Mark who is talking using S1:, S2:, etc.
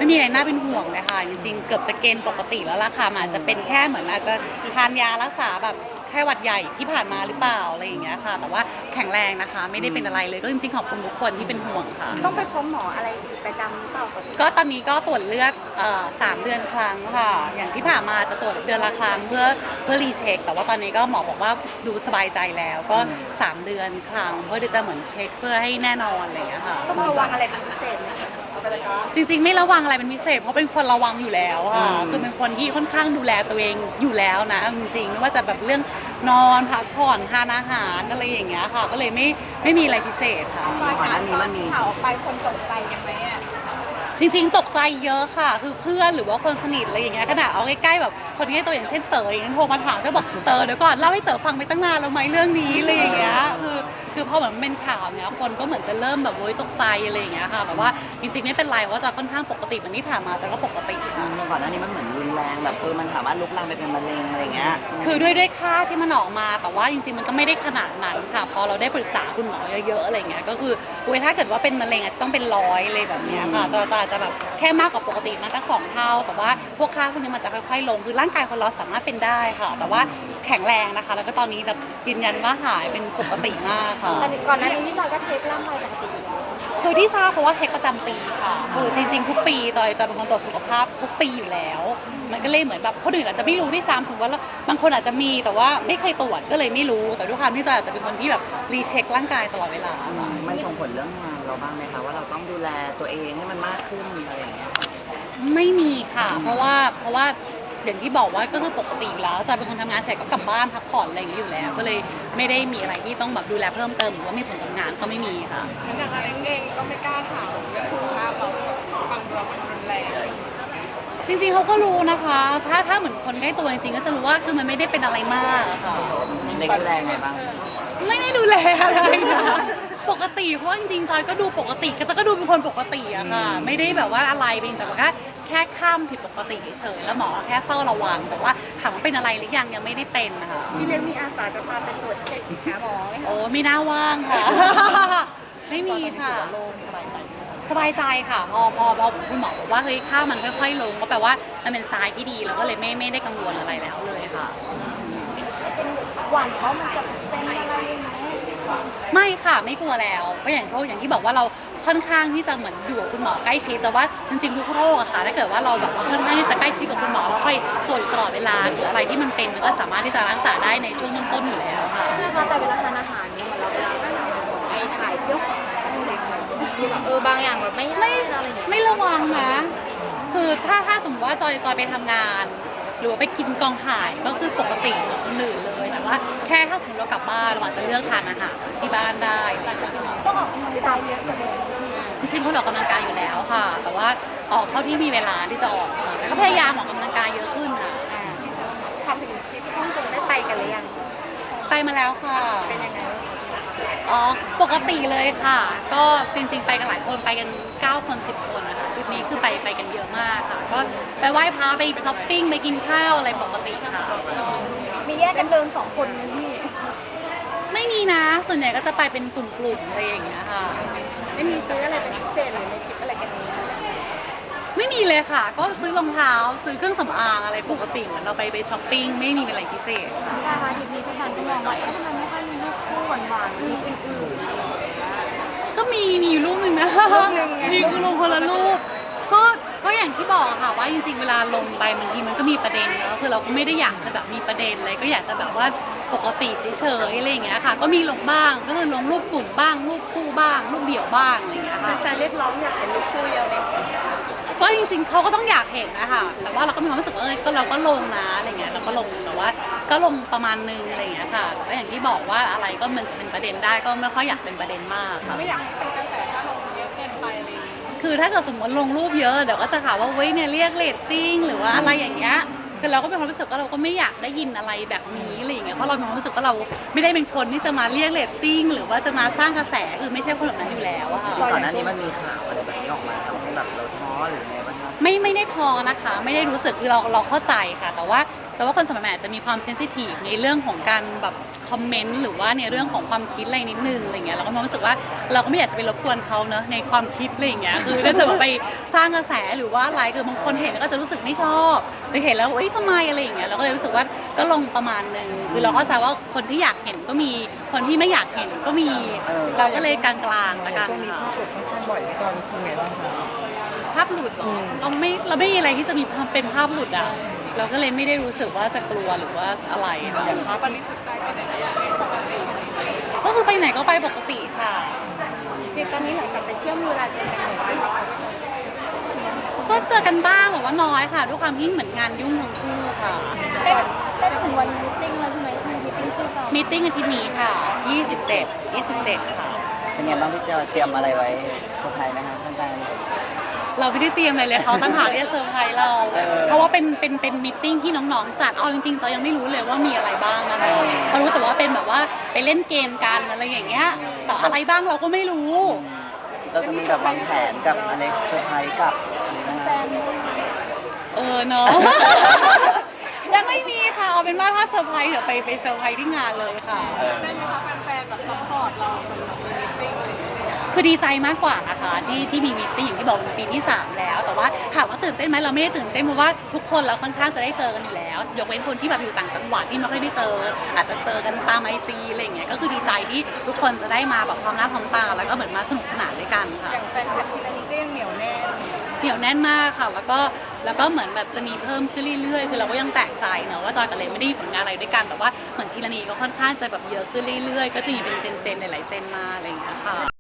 S1: ไม่มีอะไรน่าเป็นห่วงเลยค่ะจริงๆเกือบจะเกณฑ์ปกติแล้วล่ะค่ะมันอาจจะเป็นแค่เหมือนอาจจะทานยารักษาแบบแค่หวัดใหญ่ที่ผ่านมาหรือเปล่าอะไรอย่างเงี้ยค่ะแต่ว่าแข็งแรงนะคะไม่ได้เป็นอะไรเลยก็จริงๆขอบคุณทุกคนที่เป็นห่วงค่ะ
S2: ต้องไปพบหมออะไรประจำหรือเปล่าคะ
S1: ก็ตอนนี้ก็ตรวจเลือด3 เดือนครั้งค่ะอย่างที่ผ่านมาจะตรวจเดือนละครั้งเพื่อรีเช็คแต่ว่าตอนนี้ก็หมอบอกว่าดูสบายใจแล้วก็3 เดือนครั้งเพื่อที่จะเหมือนเช็คเพื่อให้แน่นอนอะไรอย่างเงี้ยค่ะ
S2: ต้องระวังอะไรเป็นพิเศษไหมคะ
S1: จริงๆไม่ระวังอะไรเป็นพิเศษเพราะเป็นคนระวังอยู่แล้วค่ะคือเป็นคนที่ค่อนข้างดูแลตัวเองอยู่แล้วนะจริงๆไม่ว่าจะแบบเรื่องนอนพักผ่อนทานอาหารอะไรอย่างเงี้ยค่ะก็เลยไม่มีอะไรพิเศษค่ะ
S2: ก่อนหน้านี้มันมีข่าวออกไปคนตกใจกันไหมอ่ะ
S1: จริงๆตกใจเยอะค่ะคือเพื่อนหรือว่าคนสนิทอะไรอย่างเงี้ยขนาดเอาใกล้ๆแบบคนใกล้ตัวอย่างเช่นเต๋ออย่างเงี้ยโทรมาถามก็บอกเต๋อเดี๋ยวก่อนเล่าให้เต๋อฟังไปตั้งนานแล้วไหมเรื่องนี้อะไรอย่างเงี้ยคือพอเหมือนเป็นข่าวเนี้ยคนก็เหมือนจะเริ่มแบบโวยตกใจอะไรอย่างเงี้ยค่ะแต่ว่าจริงๆไม่เป็นไรว่าจะค่อนข้างปกติเหมือนที่ผ่านมาจะก็ปกติค่ะ
S3: ก่อนหน้านี้มันเหมือนรุนแรงแบบมันสามารถลุกลามไปเป็นมะเร็งอะไรเงี้ย
S1: คือด้วยค่าที่มันออกมาแต่ว่าจริงๆมันก็ไม่ได้ขนาดนั้นค่ะพอเราได้ปรึกษาคุณหมอเยอะๆอะไรเงี้ยก็คือถ้าเกิดว่าเป็นมะเร็งอาจจะต้องเป็น100เลยแบบเนี้ยค่ะแต่อาจจะแบบแค่มากกว่าปกติมาสัก2 เท่าแต่ว่าพวกค่าพวกนี้มันจะค่อยๆลงคือร่างกายคนเราสามารถเป็นได้ค่ะแต่ว่าแข็งแรงนะคะแล้วก็ตอนนี้แบบยืนยันว่าหายเป็นปกติมากค่ะ
S2: ก่อนหน้านี้พี่จอยก็เช็คร่างกายปกติอยู่แล้วใช่ไหม
S1: คือที่ทราบเพราะว่าเช็คประจำปีค่ะคือจริงๆทุกปีจอยเป็นคนตรวจสุขภาพทุกปีอยู่แล้วมันก็เลยเหมือนแบบคนอื่นอาจจะไม่รู้ที่ซ้ำสมมติว่าบางคนอาจจะมีแต่ว่าไม่เคยตรวจก็เลยไม่รู้แต่ด้วยความที่จอยอาจจะเป็นคนที่แบบรีเช็คร่างกายตลอดเวลา
S3: มันส่งผลเรื่องงานเราบ้างไหมคะว่าเราต้องดูแลตัวเองให้มันมากขึ้นอะไรอย่างเงี้ย
S1: ไม่มีค่ะเพราะว่าอย่างที่บอกว่าก็คือปกติอยู่แล้วจอยเป็นคนทำงานเสร็จก็กลับบ้านพักผ่อนอะไรอย่างนี้อยู่แล้วก็เลยไม่ได้มีอะไรที่ต้องแบบดูแลเพิ่มเติมหรือว่ามีผลกับงานก็ไม่มีค่ะ
S2: อย่างอะไรเองก็ไม่กล้าถามเรื่องสุขภาพเราฟังเรามันรุนแรง
S1: จริงๆเขาก็รู้นะคะถ้าเหมือนคนใกล้ตัวจริงๆก็จะรู้ว่าคือมันไม่ได้เป็นอะไรมากค่ะ
S3: เล็กดูแลไงบ้าง
S1: ไม่ได้ดูแลอะไรนะปกติเพราะว่าจริงๆจอยก็ดูปกติก็ดูเป็นคนปกติอะค่ะไม่ได้แบบว่าอะไรเป็นจากว่าแค่ข้ามผิดปกติเฉยแล้วหมอแค่เฝ้าระวังแต่ว่าถามว่าเป็นอะไรหรือยังไม่ได้เป็นนะคะ
S2: พี่เลี้ยงมีอาสาจะพาไปตรวจเช็คหาหมอไหมคะ
S1: โอ้ไม่น่าว่างค่ะไม่มีค่ะสบายใจค่ะพอคุณหมอบอกว่าเฮ้ยค่ามันค่อยๆลงก็แปลว่ามันเป็นทรายที่ดีแล้วก็เลยไม่ได้กังวลอะไรแล้วเลยค่ะ
S2: หวั่นว่ามันจะเป็นอะไรไหม
S1: ไม่ค่ะไม่กลัวแล้วก็อย่างที่บอกว่าเราค่อนข้างที่จะเหมือนอยู่กับคุณหมอใกล้ชิดแต่ว่าจริงๆทุกโรคอะค่ะถ้าเกิดว่าเราแบบว่าค่อนข้างที่จะใกล้ชิดกับคุณหมอเราค่อยตรวจตลอดเวลาหรืออะไรที่มันเป็นมันก็สามารถที่จะรักษาได้ในช่วงต้นๆอยู่แล้วค่ะ
S2: นะคะแต่เวลาทานอาหารเนี่ยเหมือนเราไปถ่ายเที่ยวคือแบบบางอย่างแบบ
S1: ไม่ระวังนะคือถ้าสมมติว่าจอยไปทำงานหรือว่าไปกินกองถ่ายก็คือปกติเหมือนคนอื่นเลยแต่ว่าแค่ถ้าสมมติเรากลับบ้านเราอาจจะเลือกทานอาหารที่บ้านได้
S2: ก็ออกกำลังกายเยอะอยู่เลย
S1: จริงๆเขาออกกำลังกายอยู่แล้วค่ะแต่ว่าออกเท่าที่มีเวลาที่จะออกแล้วก็พยายามออกกำลังกายเยอะขึ้นค่ะ
S2: พี่จะทำถึงทริปฮ่องกงได้ไปกันหรือยัง
S1: ไปมาแล้วค่ะ
S2: เป็นยังไง
S1: อ๋อปกติเลยค่ะก็จริงๆไปกันหลายคนไปกัน9 คน10 คนนะคะทริปนี้คือไปกันเยอะมากค่ะก็ไปไหว้พระไปช้อปปิ้งไปกินข้าวอะไรปกติค่ะ
S2: มีแยกกันเดิน2 คนไหมพี่
S1: ไม่มีนะส่วนใหญ่ก็จะไปเป็นกลุ่มๆอะไรอย่างเงี้ยค่ะ
S2: ไม่มีซื้ออะไรเป็นพิเศษหรือในทริปอะไรกันนี้
S1: ไม่มีเลยค่ะก็ซื้อรองเท้าซื้อเครื่องสำอางอะไรปกติเหมือนเราไปช้อปปิ้งไม่มีอะไรพิเศษ
S2: ค่ะค่ะทริปนี้พี่แทนก็มองว่าทำไมไม่ค่อยมีรูปคู่หวานๆมีอื่น
S1: ก็มีอยู่รูปหนึ่งนะมีคือลงคนละรูปก็อย่างที่บอกค่ะว่าจริงๆเวลาลงไปบางทีมันก็มีประเด็นเนาะคือเราก็ไม่ได้อยากจะแบบมีประเด็นอะไรก็อยากจะแบบว่าปกติเฉยๆอะไรอย่างเงี้ยค่ะก็มีลงบ้างก็คือลงรูปกลุ่มบ้างรูปคู่บ้างรูปเดี่ยวบ้างอะไรอย่างเงี้ยค่ะ
S2: แฟนเรียกร้องอยากเป็นรูปคู่เยอะเลย
S1: ก็จริงๆเขาก็ต้องอยากเห็นนะคะแต่ว่าเราก็มีความรู้สึกว่าก็เราก็ลงนะอะไรเงี้ยเราก็ลงแต่ว่าก็ลงประมาณนึงอะไรอย่างเงี้ยค่ะแต่ว่าอย่างที่บอกว่าอะไรก็มันจะเป็นประเด็นได้ก็ไม่ค่อยอยากเป็นประเด็นมากค่ะ
S2: ไม่อยากเป็นกระแสถ้าลงเยอะเกินไปเลย
S1: คือถ้าเกิดสมมติลงรูปเยอะเดี๋ยวก็จะข่าวว่าเว้ยเนี่ยเรียกเรตติ้งหรือว่าอะไรอย่างเงี้ยคือเราก็มีความรู้สึกว่าเราก็ไม่อยากได้ยินอะไรแบบนี้อะไรอย่างเงี้ยเพราะเรามีความรู้สึกว่าเราไม่ได้เป็นคนที่จะมาเรียกเรตติ้งหรือว่าจะมาสร้างกระแสคือไม่ใช่คนแบบนั้นอยู่แล้วอะค่ะ
S3: ก่อนหน้านี้มันมีข่าวอะไรแบบนี้ออกมาทำให้แบบเราท้อหรือไงบ้างครับ
S1: ไม่ได้ท้อนะคะไม่ได้รู้สึกคือเราเข้าใจค่ะแต่ว่าคนสมัยใหม่จะมีความเซนซิทีฟในเรื่องของการแบบคอมเมนต์หรือว่าในเรื่องของความคิดอะไรนิดนึงอะไรเงี้ยเราก็มีความรู้สึกว่าเราก็ไม่อยากจะไปรบกวนเขาเนอะในความคิดอะไรอย่างเงี้ยคือถ้าจะแบบไปสร้างกระแสหรือว่าอะไรคือบางคนเห็นแล้วก็จะรู้สึกไม่ชอบหรือเห็นแล้วเอ้ยทำไมอะไรอย่างเงี้ยเราก็เลยรู้สึกว่าก็ลงประมาณนึงคือเราเข้าใจว่าคนที่อยากเห็นก็มีคนที่ไม่อยากเห็นก็มี เราก็เลยกลางๆละกัน
S3: ช่วงนี้ภาพหลุดค่อนข้างบ่อยตอนนี้คือไงบ้างคะ
S1: ภาพหลุดเหรอเราไม่มีอะไรที่จะมีเป็นภาพหลุดอ่ะเราก็เลยไม่ได้รู้สึกว่าจะกลัวหรือว่าอะไรค่ะ
S3: ภาพ
S1: ก็คือไปไหนก็ไปปกติค่ะ
S2: เด็กตอนนี้หลังจากไปเที่ยวมีเวลาเจอกันบ่อยไหม
S1: ก็เจอกันบ้างแต่ว่าน้อยค่ะด้วยความที่เหมือนงานยุ่งทั้งคู่ค่ะ
S2: ได้ถึงวันมีตติ้งแล้วใช่ไหมคือมีตติ้งคู่กัน
S1: มีตติ้งอาทิตย์นี้ค่ะ27ค่ะ
S3: เป็นไงบ้างพี่เจอเตรียมอะไรไว้เซอร์ไพรส์ไหมคะแฟน
S1: เราไม่ได้เตรียมอะไรเลยเขาตั้งหากที่จะเซอร์ไพรส์เรา เพราะว่าเป็นมีตติ้งที่น้องๆจัดเอาจริงๆจอยยังไม่รู้เลยว่ามีอะไรบ้างนะคะเขารู้แต่ว่าเป็นแบบว่าไปเล่นเกมกันอะไรอย่างเงี้ยแต่อะไรบ้างเราก็ไม่รู้
S3: ๆเราจะมีแบบวางแผนกับอเล็กเซอร์ไพรส์กับหรือนะคะ
S1: เนาะ ยังไม่มีค่ะเอาเป็นว่าถ้าเซอร์ไพรส์เดี๋ยวไปเซอร์ไพรส์ที่งานเลยค่ะ
S2: ได้ไหมคะแฟนๆแบบซัพพอร์ตเราสำหรับมีตติ้งอะไรอย่างเงี้ย
S1: คือดีใจมากกว่านะคะที่มีมีตติ้งอย่างที่บอกเป็นปีที่ 3 แล้ว แต่ว่าถามว่าตื่นเต้นไหมเราไม่ได้ตื่นเต้นเพราะว่าทุกคนเราค่อนข้างจะได้เจอกันอยู่แล้ว ยกเว้นคนที่แบบอยู่ต่างจังหวัดที่ไม่ค่อยได้เจอ อาจจะเจอกันตามIGอะไรอย่างเงี้ยก็คือดีใจที่ทุกคนจะได้มาแบบพร้อมหน้าพร้อมตาแล้วก็เหมือนมาสนุกสนานด้วยกันค่ะ
S2: อย่างแฟนคลับที่นี้ก็ยังเหนียวแน่น
S1: เหนียวแน่นมากค่ะแล้วก็เหมือนแบบจะมีเพิ่มขึ้นเรื่อยๆคือเราก็ยังแปลกใจเนอะว่าจอยกับเลนไม่ได้มีผลงานอะไรด้วยกันแต่ว่าเหมือนทีละนีก็ค่อนข้างจะแบบเยอะขึ้นเรื่อยๆก็จะมีเป็นเจนหลายๆเจนมาอะไรอย่างเงี้ยค่ะ